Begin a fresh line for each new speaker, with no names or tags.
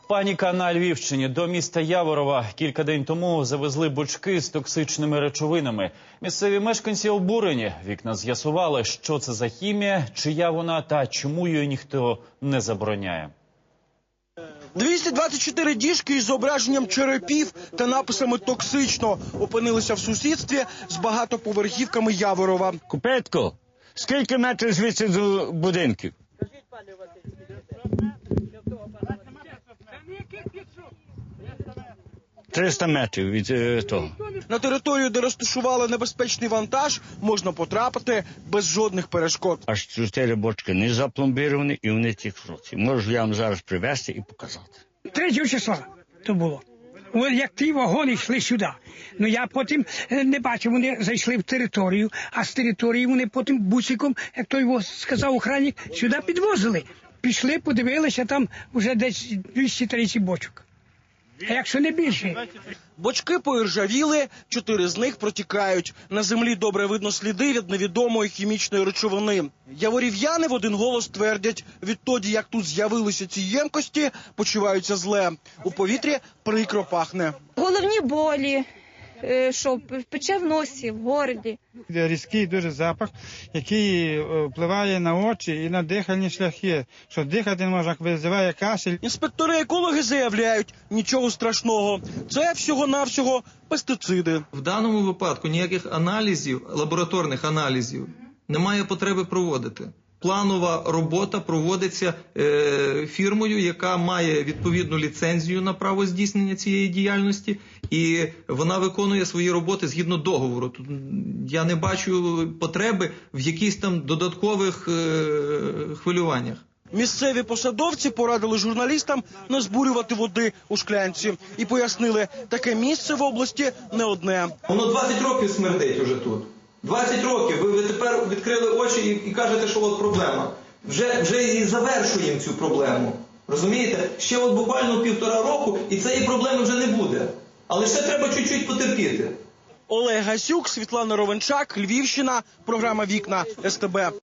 Паніка на Львівщині. До міста Яворова кілька день тому завезли бочки з токсичними речовинами. Місцеві мешканці обурені. Вікна з'ясували, що це за хімія, чия вона та чому її ніхто не забороняє.
224 діжки із зображенням черепів та написами «Токсично» опинилися в сусідстві з багатоповерхівками Яворова.
Купетко, скільки метрів звідси до будинків? 300 метрів від того.
На територію, де розташували небезпечний вантаж, можна потрапити без жодних перешкод.
Аж 4 бочки не запломбіровані і вони ті хроці. Можу я вам зараз привезти і показати.
3 числа то було. Як ті вагони йшли сюди. Ну я потім не бачив, вони зайшли в територію, а з території вони потім бусиком, як той сказав охранник, сюди підвозили. Пішли, подивилися, там вже десь 230 бочок. А якщо не більше?
Бочки поіржавіли, 4 з них протікають. На землі добре видно сліди від невідомої хімічної речовини. Яворів'яни в один голос твердять, відтоді, як тут з'явилися ці ємкості, почуваються зле. У повітрі прикро пахне.
Головні болі, що пече в носі, в горлі.
Різкий дуже запах, який впливає на очі і на дихальні шляхи. Що дихати не можна, визиває кашель.
Інспектори-екологи заявляють, нічого страшного. Це всього-навсього пестициди.
В даному випадку ніяких аналізів, лабораторних аналізів, немає потреби проводити. Планова робота проводиться фірмою, яка має відповідну ліцензію на право здійснення цієї діяльності, і вона виконує свої роботи згідно договору. Тут я не бачу потреби в якихось там додаткових хвилюваннях.
Місцеві посадовці порадили журналістам не збурювати води у шклянці і пояснили, таке місце в області не одне.
Воно 20 років смердить уже тут. 20 років. Ви тепер відкрили очі і кажете, що от проблема. Вже і завершуємо цю проблему. Розумієте? Ще от буквально 1,5 року і цієї проблеми вже не буде. Але ще треба чуть-чуть потерпіти.
Олег Гасюк, Світлана Ровенчак, Львівщина, програма «Вікна» СТБ.